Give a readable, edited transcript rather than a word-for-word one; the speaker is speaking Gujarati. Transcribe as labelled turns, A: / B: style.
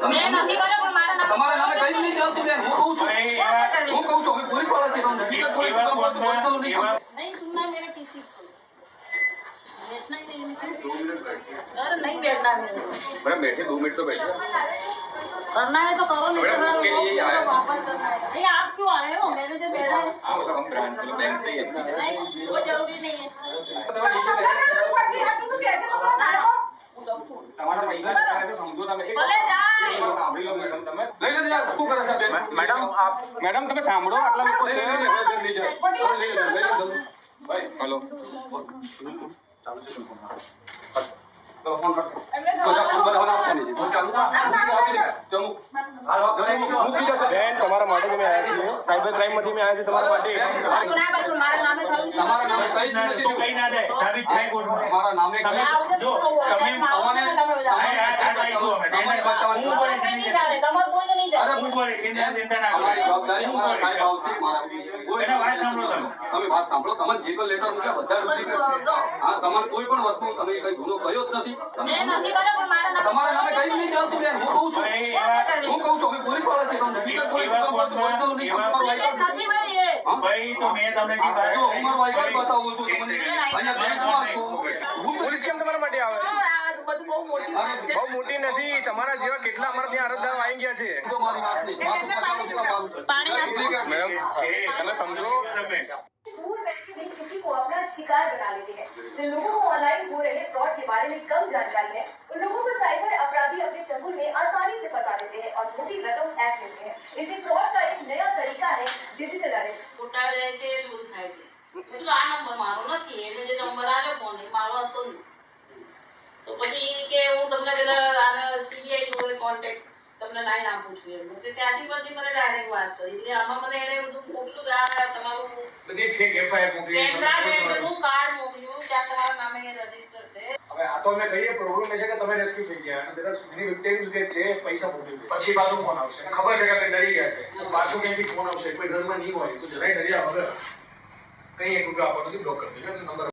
A: મેં નથી કર્યો પણ મારા નામે
B: તમારા નામે કઈ નહીં ચાલતું બેન, હું કહું છું અમે પોલીસ વાળા છીએ, તમે પોલીસ
A: नहीं सुनना मेरा किसी को बैठना ही नहीं। अरे नहीं बैठना है
C: मैडम बैठे 2 मिनट तो बैठे।
A: करना है तो करो, नहीं
C: मैडम,
A: करना
C: उसके लिए
A: है
C: आए
A: तो वापस करना है। नहीं आप क्यों आए हो? मेरे जो बैठा है
C: हाँ मतलब हम ब्रांच वाले बैंक से ही हैं।
A: नहीं कोई जरूरी नहीं है।
C: તમારા પૈસા છે સમજો તમે એક
A: ભલે જાય
C: સાંભળી લો મેડમ તમે
B: લઈ લેજો યાર, શું કરે છે બેન?
C: મેડમ આપ મેડમ તમે સાંભળો આટલા લોકો છે
B: લઈ જાઓ. ભાઈ
C: હેલો
B: ચાલુ છે તો ફોન કર. તો જા બરાબર આપતા નહીં તો ચાલુ આપી દે ચમુ હાલો ઘરે મૂકી દે
C: બેન તમારા માટે તમે આવ્યા છીએ સાયબર ક્રાઇમ માંથી મેં આવ્યા છે તમારા માટે
A: ના કરું મારા નામે થયું છે।
B: તમારા નામે કઈ જ નથી
D: કઈ ના દે સાબિત થાય કોર્ટમાં
B: તમારા નામે કઈ
D: જો તમે
B: તમને
D: તમારી બચાવવા હું બોલે
A: નહીં ચાલે, તમારું કોઈ નહીં ચાલે।
D: હું બોલે ચિંતા ના
B: અમારી
D: કરો
B: જવાબદારી અમારા સાહેબ આવશે મારા
D: એના વાત સાંભળો તમે
B: તમે વાત સાંભળો, તમને જે પણ લેટર મૂક્યા બધા ડુપ્લિકેટ છે. હા તમારે કોઈ પણ વસ્તુ તમે કઈ ગુનો કર્યો જ નથી.
A: મેં નથી કર્યો પણ મારા નામે
B: તમારા નામે કઈ નહીં ચાલતું બેન, હું કહું છું અમે પોલીસ વાળા છીએ, તમે ડુપ્લિકેટ પોલીસ
A: નથી ભાઈ એ
D: ભાઈ તો મેં તમને જે વાત
B: જો ઉમર વાઈ બતાવું છું તમને અહીંયા બેંકમાં છો.
C: હું પોલીસ કેમ તમારા માટે આવે
A: આ બધું બહુ મોટી વાત છે।
C: બહુ મોટી નથી તમારા જેવા કેટલા અમારા ત્યાં અરજદારો આવી ગયા છે
B: તો મારી વાત નહીં
A: પાણી નાખો।
C: મેડમ તમે સમજો
E: दूर व्यक्ति भी किसी को अपना शिकार बना लेते हैं। जिन लोगों को ऑनलाइन हो रहे फ्रॉड के बारे में कम जानकारी है, उन लोगों को साइबर अपराधी अपने चंगुल में आसानी से फंसा लेते हैं और मोटी रकम ऐड लेते हैं। इसी फ्रॉड का एक नया तरीका है डिजिटल अरेस्ट।
A: ખોટા જાય છે એ બધું થાય છે। મેં કીધું આ નંબર મારો નથી, એટલે જે નંબર આવ્યો ફોન એ મારો હતો નહીં। તો પછી કે હું તમને પેલા આને સીબીઆઈ જોડે કોન્ટેક્ટ તમને લાઈન આપું છું એમ એટલે ત્યાંથી પછી મને ડાયરેક્ટ વાત કરી એટલે આમાં મને એને બધું મોકલું કે આ તમારું
D: બધી ફેક એફઆઈઆર મોકલી
A: પેન કાર્ડ ને બધું કાર્ડ મોકલ્યું કે આ તમારા નામે એ રજીસ્ટર છે।
D: હવે આ તો અમે કહીએ પ્રોબ્લેમ એ છે કે તમે રેસ્ક્યુ થઈ ગયા અને દરેક મિની વિક્ટિમ્સ કે જે પૈસા મોકલી દે પછી પાછું ફોન આવશે અને ખબર છે કે આપણે ડરી ગયા છે તો પાછું ક્યાંથી ફોન આવશે કોઈ ઘરમાં નહીં હોય તો જરાય ડર્યા વગર કંઈ 1 રૂપિયા આપવાનો નથી બ્લોક કરી દેજો નંબર